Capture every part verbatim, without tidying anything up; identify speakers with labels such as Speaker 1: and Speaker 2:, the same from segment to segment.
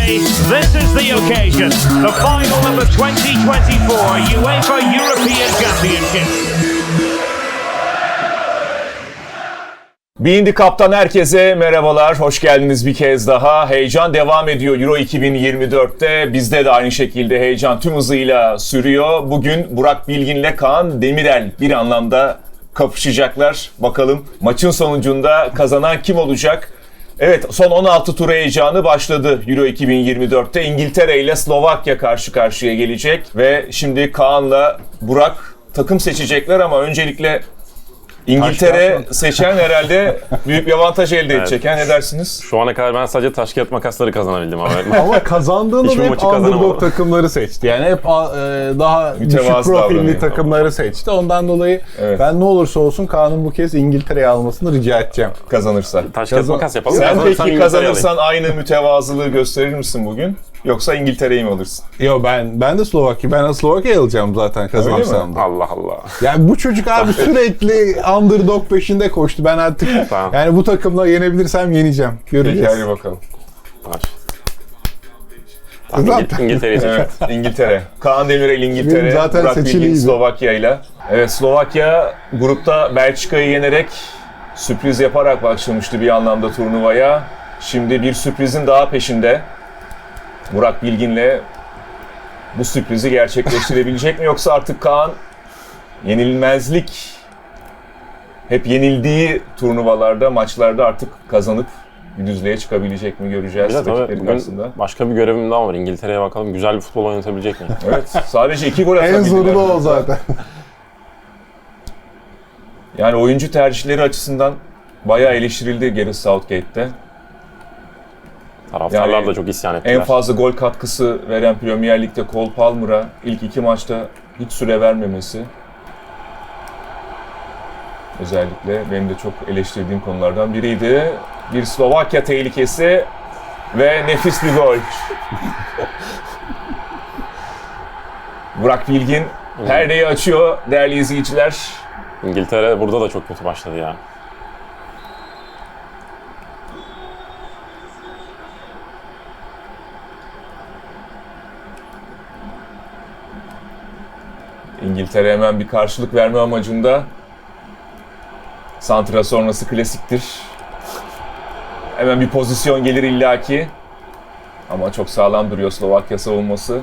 Speaker 1: Today, this is the occasion, the final of the twenty twenty-four UEFA European Championship.
Speaker 2: B İndi Cup'tan herkese merhabalar, hoş geldiniz bir kez daha. Heyecan devam ediyor Euro iki bin yirmi dörtte. Bizde de aynı şekilde heyecan tüm hızıyla sürüyor. Bugün Burak Bilgin'le Kaan Demirel bir anlamda kapışacaklar. Bakalım maçın sonucunda kazanan kim olacak? Evet, son on altı tur heyecanı başladı Euro iki bin yirmi dörtte. İngiltere ile Slovakya karşı karşıya gelecek. Ve şimdi Kaan'la Burak takım seçecekler ama öncelikle İngiltere seçen herhalde büyük bir avantaj elde
Speaker 3: Evet.
Speaker 2: edecek. Ne dersiniz?
Speaker 3: Şu ana kadar ben sadece taş kağıt makasları kazanabildim abi.
Speaker 4: Ama kazandığında
Speaker 3: Hiçbir
Speaker 4: da hep
Speaker 3: maçı kazanamadı.
Speaker 4: underdog takımları seçti. Yani hep e, daha düşük
Speaker 2: Mütevazı
Speaker 4: profilli
Speaker 2: davranıyor.
Speaker 4: takımları seçti. Ondan dolayı
Speaker 2: Evet.
Speaker 4: ben ne olursa olsun Kaan'ın bu kez İngiltere'yi almasını rica edeceğim.
Speaker 2: Kazanırsa.
Speaker 3: Taş kağıt
Speaker 4: Kazan-
Speaker 3: makas yapalım.
Speaker 2: Sen
Speaker 3: Kazanırsam
Speaker 2: peki
Speaker 3: İngiltere'yi
Speaker 2: kazanırsan aynı mütevazılığı gösterir misin bugün? Yoksa İngiltere'yi mi alırsın?
Speaker 4: Yo ben ben de Slovakya. Ben de Slovakya'yı alacağım zaten kazanırsam da.
Speaker 3: alayım. Allah Allah.
Speaker 4: Yani bu çocuk abi sürekli underdog peşinde koştu. Ben artık
Speaker 3: Tamam.
Speaker 4: yani bu takımla yenebilirsem yeneceğim. Göreceğiz.
Speaker 2: Peki hadi bakalım.
Speaker 3: Var. Tamam,
Speaker 4: Zaten-
Speaker 3: İngil- İngiltere'yi seçiyorum.
Speaker 2: Evet, İngiltere. Kaan Demirel İngiltere,
Speaker 4: Benim zaten
Speaker 2: Burak Bilgin
Speaker 4: seçiliydi.
Speaker 2: Slovakya ile. Evet, Slovakya grupta Belçika'yı yenerek sürpriz yaparak başlamıştı bir anlamda turnuvaya. Şimdi bir sürprizin daha peşinde. Burak Bilgin'le bu sürprizi gerçekleştirebilecek mi? Yoksa artık Kaan yenilmezlik, hep yenildiği turnuvalarda, maçlarda artık kazanıp bir düzlüğe çıkabilecek mi göreceğiz
Speaker 3: Bir de tabii
Speaker 2: rakipleri
Speaker 3: bugün
Speaker 2: karşısında.
Speaker 3: başka bir görevim daha var. İngiltere'ye bakalım güzel bir futbol oynatabilecek mi?
Speaker 2: Evet, sadece iki gol atabildiler.
Speaker 4: En zoru da o zaten.
Speaker 2: Yani oyuncu tercihleri açısından bayağı eleştirildi Gareth Southgate'te.
Speaker 3: Taraftarlar
Speaker 2: Yani
Speaker 3: da çok isyan ettiler.
Speaker 2: En fazla gol katkısı veren Premier Lig'de Cole Palmer'a ilk iki maçta hiç süre vermemesi. Özellikle benim de çok eleştirdiğim konulardan biriydi. Bir Slovakya tehlikesi ve nefis bir gol. Burak Bilgin perdeyi açıyor değerli izleyiciler.
Speaker 3: İngiltere burada da çok kötü başladı ya.
Speaker 2: İngiltere hemen bir karşılık verme amacında. Santra sonrası klasiktir. Hemen bir pozisyon gelir illaki. Ama çok sağlam duruyor Slovakya savunması.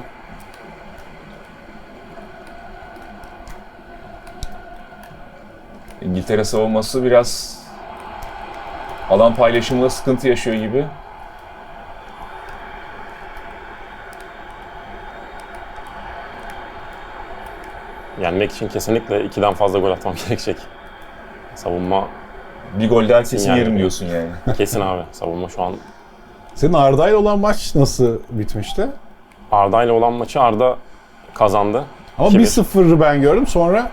Speaker 2: İngiltere savunması biraz alan paylaşımında sıkıntı yaşıyor gibi.
Speaker 3: Yenmek için kesinlikle ikiden fazla gol atmam gerekecek. Savunma
Speaker 2: Bir gol daha kesin
Speaker 3: Yani.
Speaker 2: yerim diyorsun yani.
Speaker 3: kesin abi. Savunma şu an
Speaker 4: Senin Arda'yla olan maç nasıl bitmişti?
Speaker 3: Arda ile olan maçı Arda kazandı.
Speaker 4: Ama
Speaker 3: iki bir.
Speaker 4: bir sıfırı ben gördüm sonra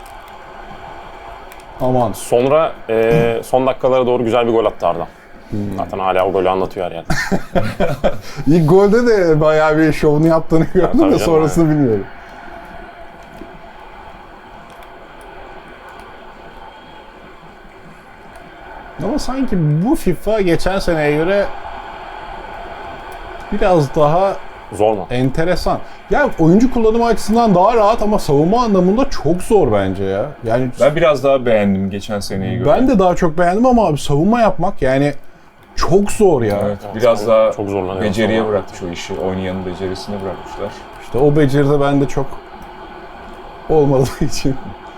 Speaker 4: aman.
Speaker 3: Sonra e, son dakikalara doğru güzel bir gol attı Arda.
Speaker 4: Hmm.
Speaker 3: Zaten hala o golü anlatıyor her yerde.
Speaker 4: İlk golde de bayağı bir şovunu yaptığını gördüm
Speaker 3: tabii
Speaker 4: de
Speaker 3: canım,
Speaker 4: sonrasını bilmiyorum. Ama sanki bu FIFA geçen seneye göre biraz daha
Speaker 3: Zor mu?
Speaker 4: enteresan. Ya oyuncu kullanımı açısından daha rahat ama savunma anlamında çok zor bence ya. Yani
Speaker 2: Ben biraz daha beğendim geçen seneyi göre.
Speaker 4: ben de daha çok beğendim ama abi savunma yapmak yani çok zor ya.
Speaker 2: Evet, biraz
Speaker 3: savunma
Speaker 2: daha
Speaker 3: çok zorlanıyor
Speaker 2: beceriye
Speaker 3: savunma.
Speaker 2: bırakmış o işi. Oynayanın becerisine bırakmışlar.
Speaker 4: İşte o beceri de bende çok olmadığı için.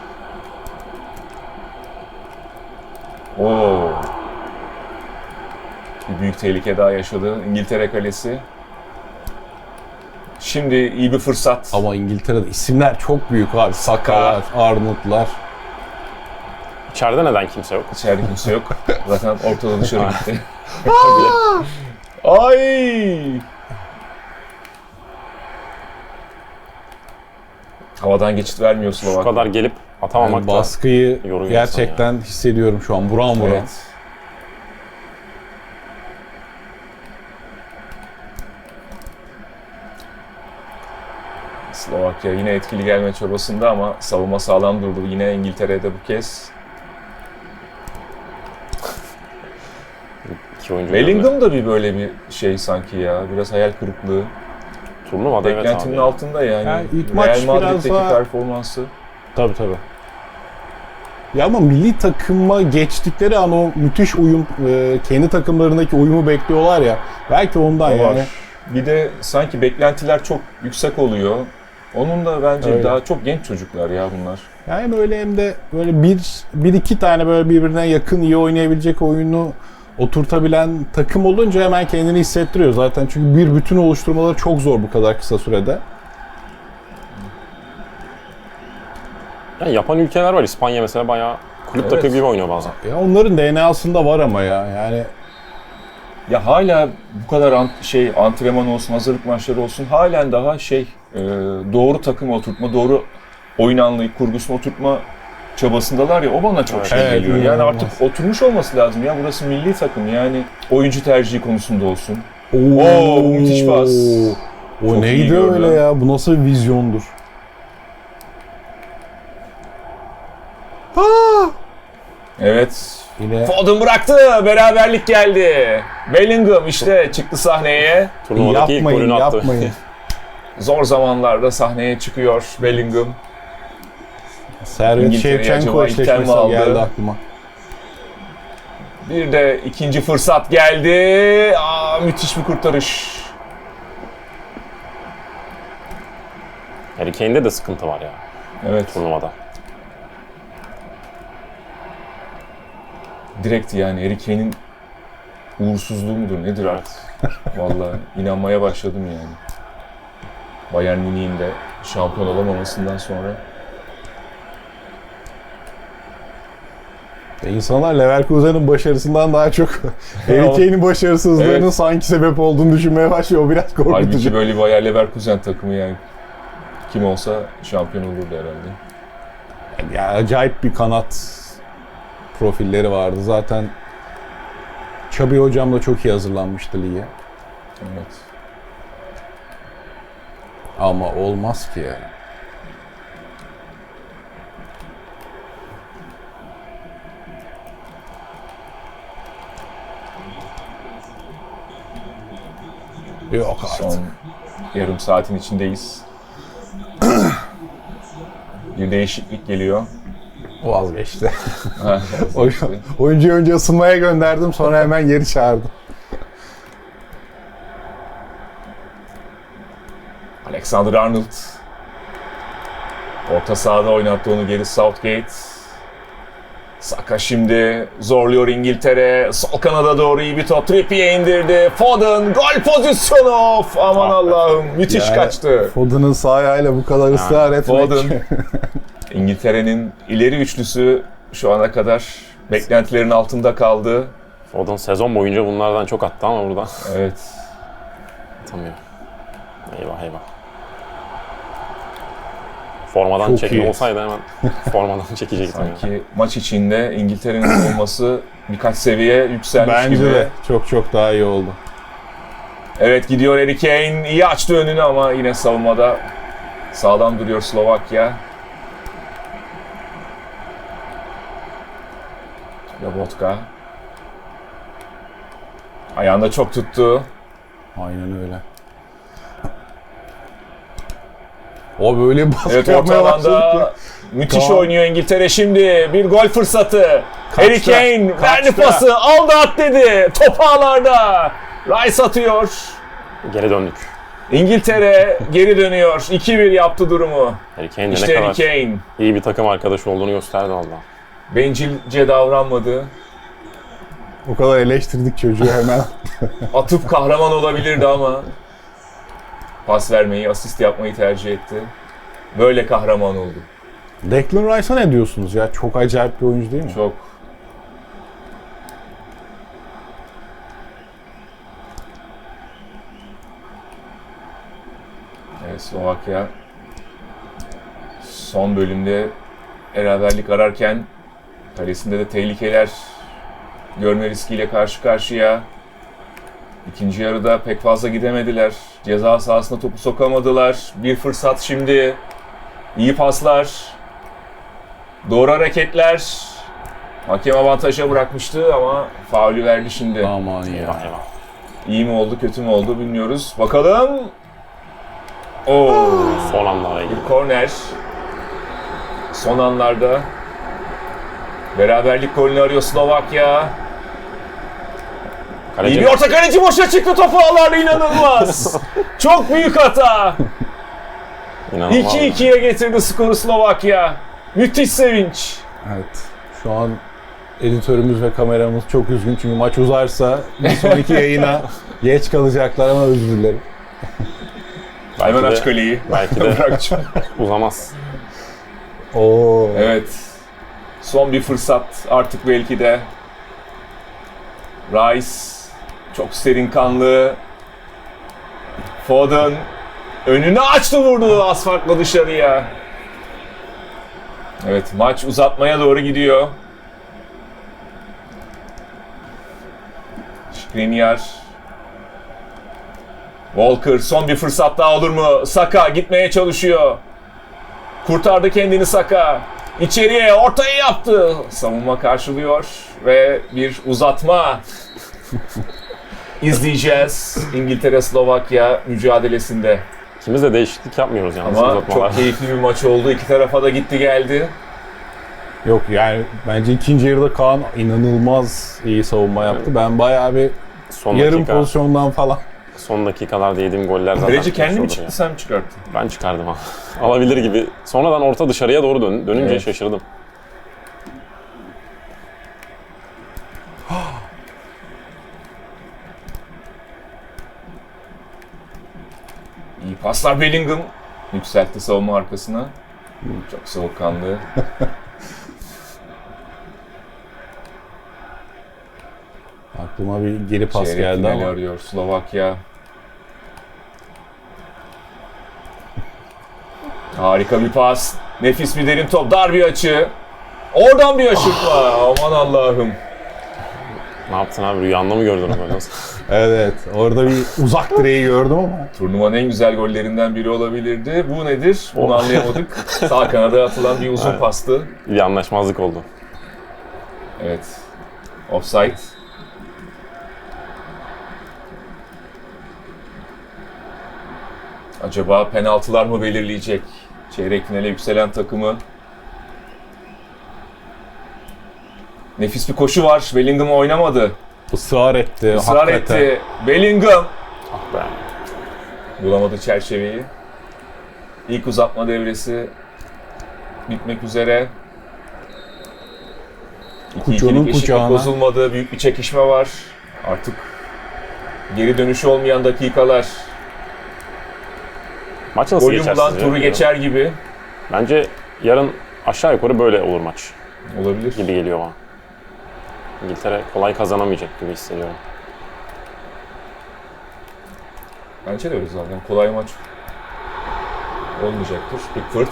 Speaker 2: Oo. Bir büyük tehlike daha yaşadı İngiltere kalesi. Şimdi iyi bir fırsat.
Speaker 4: Ama İngiltere'de isimler çok büyük abi. Saka'lar, Arnold'lar.
Speaker 3: İçeride neden kimse yok?
Speaker 2: İçeride kimse yok. Zaten ortada dışarı gitti. Ay! Havadan geçit vermiyor
Speaker 3: Şu
Speaker 2: Slovakya.
Speaker 3: kadar gelip atamamak
Speaker 4: Yani
Speaker 3: da
Speaker 4: baskıyı
Speaker 3: yoruyor
Speaker 4: gerçekten hissediyorum şu an. Buram buram.
Speaker 2: Evet. Slovakya yine etkili gelme çabasında ama savunma sağlam durdu. Yine İngiltere'de bu kez.
Speaker 3: İki oyuncu.
Speaker 2: Bellingham da bir böyle bir şey sanki ya. Biraz hayal kırıklığı.
Speaker 3: Turnuvada evet
Speaker 2: Beklentinin
Speaker 3: abi.
Speaker 2: altında yani.
Speaker 4: Yani ilk
Speaker 2: Real
Speaker 4: maç biraz
Speaker 2: Madrid'deki
Speaker 4: daha-
Speaker 2: performansı.
Speaker 4: Tabii tabii. Ya ama milli takıma geçtikleri an o müthiş uyum, e, kendi takımlarındaki uyumu bekliyorlar ya. Belki ondan
Speaker 2: O var.
Speaker 4: yani.
Speaker 2: Bir de sanki beklentiler çok yüksek oluyor. Onun da bence
Speaker 4: Öyle.
Speaker 2: daha çok genç çocuklar ya bunlar.
Speaker 4: Yani hem öyle hem de böyle bir, bir iki tane böyle birbirine yakın iyi oynayabilecek oyunu oturtabilen takım olunca hemen kendini hissettiriyor zaten. Çünkü bir bütün oluşturmaları çok zor bu kadar kısa sürede.
Speaker 3: Yani yapan ülkeler var. İspanya mesela bayağı kulüp
Speaker 2: Evet.
Speaker 3: takımı gibi oynuyor bazen.
Speaker 4: Ya onların D N A'sında var ama ya yani
Speaker 2: Ya hala bu kadar ant- şey antrenman olsun, hazırlık maçları olsun halen daha şey e, doğru takım oturtma, doğru oyun anlayıp kurgusunu oturtma çabasındalar ya o bana çok şey
Speaker 4: Evet,
Speaker 2: geliyor. Yani
Speaker 4: inanılmaz.
Speaker 2: artık oturmuş olması lazım ya burası milli takım yani oyuncu tercihi konusunda olsun.
Speaker 4: Oo,
Speaker 2: Oo, müthiş pas.
Speaker 4: O
Speaker 2: Çok iyi
Speaker 4: neydi
Speaker 2: gördü.
Speaker 4: öyle ya? Bu nasıl bir vizyondur?
Speaker 2: Evet.
Speaker 4: Yine
Speaker 2: Foden bıraktı. Beraberlik geldi. Bellingham işte çıktı sahneye.
Speaker 3: Turnuvadaki ilk
Speaker 4: yapmayın,
Speaker 3: golünü attı.
Speaker 4: yapmayın.
Speaker 2: Zor zamanlarda sahneye çıkıyor Bellingham.
Speaker 4: Servet
Speaker 2: İngiltere'ye
Speaker 4: Şevçenko
Speaker 2: acaba ilk tel mi
Speaker 4: eşleşmesi
Speaker 2: aldı?
Speaker 4: geldi aklıma.
Speaker 2: Bir de ikinci fırsat geldi. Aa, müthiş bir kurtarış.
Speaker 3: Harry Kane'de de sıkıntı var ya
Speaker 2: Evet.
Speaker 3: turnuvada.
Speaker 2: Direkt yani Harry Kane'in uğursuzluğu mudur nedir artık? Vallahi inanmaya başladım yani. Bayern Münih'in de şampiyon olamamasından sonra.
Speaker 4: E insanlar Leverkusen'in başarısından daha çok Harry Kane'in başarısızlığının
Speaker 2: Evet.
Speaker 4: sanki sebep olduğunu düşünmeye başlıyor. O biraz
Speaker 2: Halbuki
Speaker 4: korkutucu.
Speaker 2: böyle bir Bayer Leverkusen takımı yani kim olsa şampiyon olurdu herhalde.
Speaker 4: Ya acayip bir kanat profilleri vardı. Zaten Xabi hocam da çok iyi hazırlanmıştı lige.
Speaker 2: Evet.
Speaker 4: Ama olmaz ki ya. Yok artık.
Speaker 2: Son yarım saatin içindeyiz. Bir değişiklik geliyor.
Speaker 4: Vazgeçti.
Speaker 2: Ha,
Speaker 4: Oy- Oyuncuyu önce ısınmaya gönderdim, sonra hemen geri çağırdım.
Speaker 2: Alexander Arnold. Orta sahada oynattı onu geri Southgate. Saka şimdi zorluyor İngiltere. Sol kanada doğru iyi bir top. Trippier indirdi. Foden gol pozisyonu. Of, aman Allah'ım. Müthiş
Speaker 4: Yani
Speaker 2: kaçtı.
Speaker 4: Foden'ın sağ ayağıyla bu kadar ısrar etmek.
Speaker 2: Foden. İngiltere'nin ileri üçlüsü şu ana kadar beklentilerin altında kaldı.
Speaker 3: Foden sezon boyunca bunlardan çok attı ama burada
Speaker 2: Evet.
Speaker 3: atamıyor. Eyvah eyvah. Formadan
Speaker 4: Çok
Speaker 3: çekme
Speaker 4: iyi.
Speaker 3: olsaydı hemen formadan çekecektim. ya.
Speaker 2: Sanki maç içinde İngiltere'nin olması birkaç seviye yükselmiş
Speaker 4: Bence
Speaker 2: gibi.
Speaker 4: de çok çok daha iyi oldu.
Speaker 2: Evet gidiyor Harry Kane. İyi açtı önünü ama yine savunmada sağlam duruyor Slovakya. Lobotka. Ayağında çok tuttu.
Speaker 4: Aynen öyle. O böyle baskı
Speaker 2: Evet orta
Speaker 4: yapmaya başladı
Speaker 2: alanda
Speaker 4: ki.
Speaker 2: müthiş
Speaker 4: Tamam.
Speaker 2: oynuyor İngiltere şimdi. Bir gol fırsatı. Harry Kane verdi
Speaker 4: kaçta.
Speaker 2: pası. Aldı at dedi. Top ağlarda. Rice atıyor.
Speaker 3: Geri döndük.
Speaker 2: İngiltere geri dönüyor. iki bir yaptı durumu.
Speaker 3: Harry Kane de
Speaker 2: İşte
Speaker 3: ne
Speaker 2: Harry
Speaker 3: kadar
Speaker 2: Kane.
Speaker 3: iyi bir takım arkadaşı olduğunu gösterdi valla.
Speaker 2: Bencilce davranmadı.
Speaker 4: O kadar eleştirdik çocuğu hemen.
Speaker 2: Atıp kahraman olabilirdi ama pas vermeyi, asist yapmayı tercih etti. Böyle kahraman oldu.
Speaker 4: Declan Rice'a ne diyorsunuz ya? Çok acayip bir oyuncu değil mi?
Speaker 2: Çok. Evet, Slovakya son bölümde beraberlik ararken kalesinde de tehlikeler görme riskiyle karşı karşıya. İkinci yarıda pek fazla gidemediler. Ceza sahasına topu sokamadılar. Bir fırsat şimdi. İyi paslar. Doğru hareketler. Hakem avantaja bırakmıştı ama faulü verdi şimdi.
Speaker 4: Aman ya.
Speaker 3: Eyvah eyvah.
Speaker 2: İyi mi oldu, kötü mü oldu bilmiyoruz. Bakalım. Oo,
Speaker 3: Son anlara ilgili.
Speaker 2: bir korner. Son anlarda beraberlik golünü arıyor Slovakya.
Speaker 3: Kaleci
Speaker 2: İyi bir orta, kaleci boşa çıktı, topu ağlardı, inanılmaz. Çok büyük hata.
Speaker 3: inanılmaz.
Speaker 2: iki ikiye getirdi skoru Slovakya. Müthiş sevinç.
Speaker 4: Evet. Şu an editörümüz ve kameramız çok üzgün çünkü maç uzarsa bir sonraki yayına geç kalacaklar ama özür dilerim.
Speaker 3: Belki
Speaker 2: Hemen
Speaker 3: de-
Speaker 2: aç kaleyi.
Speaker 3: Belki de
Speaker 2: Bırakacağım.
Speaker 3: uzamaz.
Speaker 4: Oo.
Speaker 2: Evet. Son bir fırsat artık belki de. Rice çok serin kanlı. Foden önünü açtı, vurdu az farkla dışarıya. Evet, maç uzatmaya doğru gidiyor. Skriniar. Walker, son bir fırsat daha olur mu? Saka gitmeye çalışıyor. Kurtardı kendini Saka. İçeriye ortayı yaptı. Savunma karşılıyor ve bir uzatma izleyeceğiz İngiltere-Slovakya mücadelesinde.
Speaker 3: İkimiz de değişiklik yapmıyoruz yalnız
Speaker 2: Ama
Speaker 3: uzatmalar.
Speaker 2: çok keyifli bir maç oldu. İki tarafa da gitti geldi.
Speaker 4: Yok yani bence ikinci yarıda Kaan inanılmaz iyi savunma yaptı. Ben bayağı bir
Speaker 3: Son
Speaker 4: yarım
Speaker 3: dakika,
Speaker 4: pozisyondan falan.
Speaker 3: son dakikalarda yediğim goller zaten.
Speaker 2: Kaleci kendi mi
Speaker 3: olur
Speaker 2: çıktı,
Speaker 3: ya.
Speaker 2: sen mi çıkarttın?
Speaker 3: Ben çıkardım ha. Alabilir gibi. Sonradan orta dışarıya doğru dön, dönünce
Speaker 2: Evet.
Speaker 3: şaşırdım.
Speaker 2: İyi paslar Bellingham. Yükseltti savunma arkasına. Çok soğukkanlı.
Speaker 4: Aklıma bir geri pas
Speaker 2: Çeyrek
Speaker 4: geldi
Speaker 2: finali
Speaker 4: ama.
Speaker 2: arıyor Slovakya. Harika bir pas. Nefis bir derin top. Dar bir açı. Oradan bir aşırtma. Aman Allah'ım.
Speaker 3: Ne yaptın abi? Rüyanda mı gördün onu? Nasıl?
Speaker 4: Evet, evet. Orada bir uzak direği gördüm ama.
Speaker 2: Turnuvanın en güzel gollerinden biri olabilirdi. Bu nedir? Bunu
Speaker 3: Oh.
Speaker 2: anlayamadık. Sağ kanada atılan bir uzun
Speaker 3: Evet.
Speaker 2: pastı.
Speaker 3: Bir anlaşmazlık oldu.
Speaker 2: Evet. Offside. Acaba penaltılar mı belirleyecek çeyrek finale yükselen takımı? Nefis bir koşu var. Bellingham oynamadı.
Speaker 4: Israr etti.
Speaker 2: Israr
Speaker 4: hakikaten.
Speaker 2: etti. Bellingham
Speaker 3: Ah be.
Speaker 2: bulamadı çerçeveyi. İlk uzatma devresi bitmek üzere. İki
Speaker 4: Kucağının
Speaker 2: ikilik eşitlik
Speaker 4: kucağına.
Speaker 2: bozulmadı. Büyük bir çekişme var. Artık geri dönüşü olmayan dakikalar.
Speaker 3: Maç nasıl
Speaker 2: Golü
Speaker 3: geçer
Speaker 2: bulan
Speaker 3: sizce?
Speaker 2: turu geçer gibi.
Speaker 3: Bence yarın aşağı yukarı böyle olur maç
Speaker 2: Olabilir.
Speaker 3: gibi geliyor bana. İngiltere kolay kazanamayacak gibi hissediyorum.
Speaker 2: Bence de öyle zaten. Kolay maç olmayacaktır. Pickford.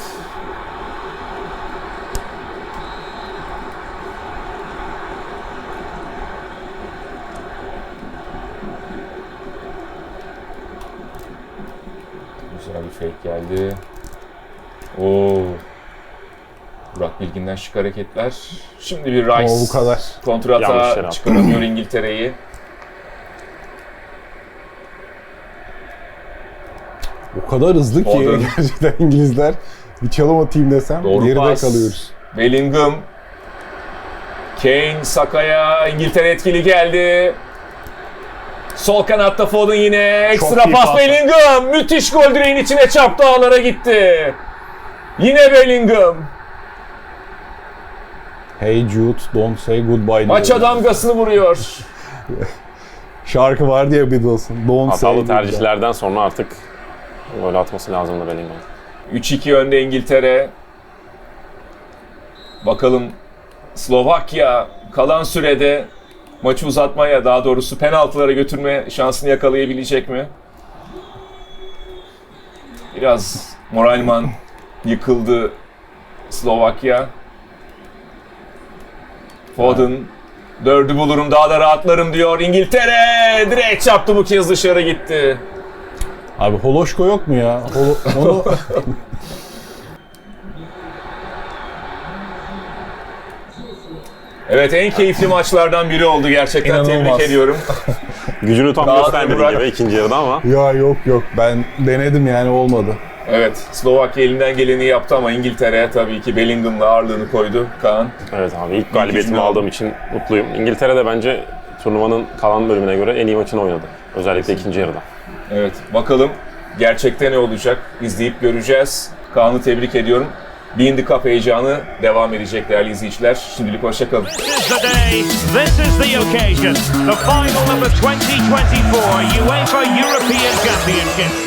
Speaker 2: Güzel bir fake geldi. Oo. Burak Bilgin'den şık hareketler. Şimdi bir Rice.
Speaker 4: O bu kadar.
Speaker 3: Yanlış yere
Speaker 2: Kontrata
Speaker 3: attı.
Speaker 2: çıkaramıyor İngiltere'yi.
Speaker 4: O kadar hızlı ki
Speaker 2: Foden.
Speaker 4: gerçekten İngilizler. Bir çalım atayım desem
Speaker 2: Doğru
Speaker 4: geride
Speaker 2: pas.
Speaker 4: kalıyoruz.
Speaker 2: Bellingham. Kane, Saka'ya. İngiltere etkili geldi. Sol kanatta Foden yine. Ekstra
Speaker 4: iyi
Speaker 2: pas
Speaker 4: pas.
Speaker 2: Bellingham. Müthiş gol, direğin içine çarptı, ağlara gitti. Yine Bellingham.
Speaker 4: Hey Jude, don't say goodbye.
Speaker 2: Maça
Speaker 4: diyor.
Speaker 2: damgasını vuruyor.
Speaker 4: Şarkı vardı ya Beatles'ın. Don't say
Speaker 3: Hatalı
Speaker 4: goodbye.
Speaker 3: tercihlerden sonra artık gol atması lazımdı Bellingham.
Speaker 2: üç iki önde İngiltere. Bakalım Slovakya kalan sürede maçı uzatmaya, daha doğrusu penaltılara götürme şansını yakalayabilecek mi? Biraz moralman yıkıldı Slovakya. Foden dördü bulurum, daha da rahatlarım diyor. İngiltere direkt çarptı, bu kez dışarı gitti.
Speaker 4: Abi Holoşko yok mu ya? Holo, onu
Speaker 2: Evet, en keyifli maçlardan biri oldu gerçekten.
Speaker 4: İnanılmaz.
Speaker 2: Tebrik ediyorum.
Speaker 3: Gücünü tam
Speaker 2: Daha
Speaker 3: göstermedi
Speaker 2: Burak-
Speaker 3: gibi ikinci yarıda ama
Speaker 4: Ya yok yok ben denedim yani olmadı.
Speaker 2: Evet, Slovakya elinden geleni yaptı ama İngiltere tabii ki Bellingham'la ağırlığını koydu Kaan.
Speaker 3: evet abi ilk galibiyetimi
Speaker 2: cümle
Speaker 3: aldığım için mutluyum. İngiltere de bence turnuvanın kalan bölümüne göre en iyi maçını oynadı. Özellikle ikinci yarıda.
Speaker 2: Evet, bakalım gerçekte ne olacak izleyip göreceğiz. Kaan'ı tebrik ediyorum. Bean the Cup heyecanı devam edecek değerli izleyiciler. Şimdilik hoşçakalın.
Speaker 1: This is the day, this is the occasion. The final of the twenty twenty-four UEFA European Championship.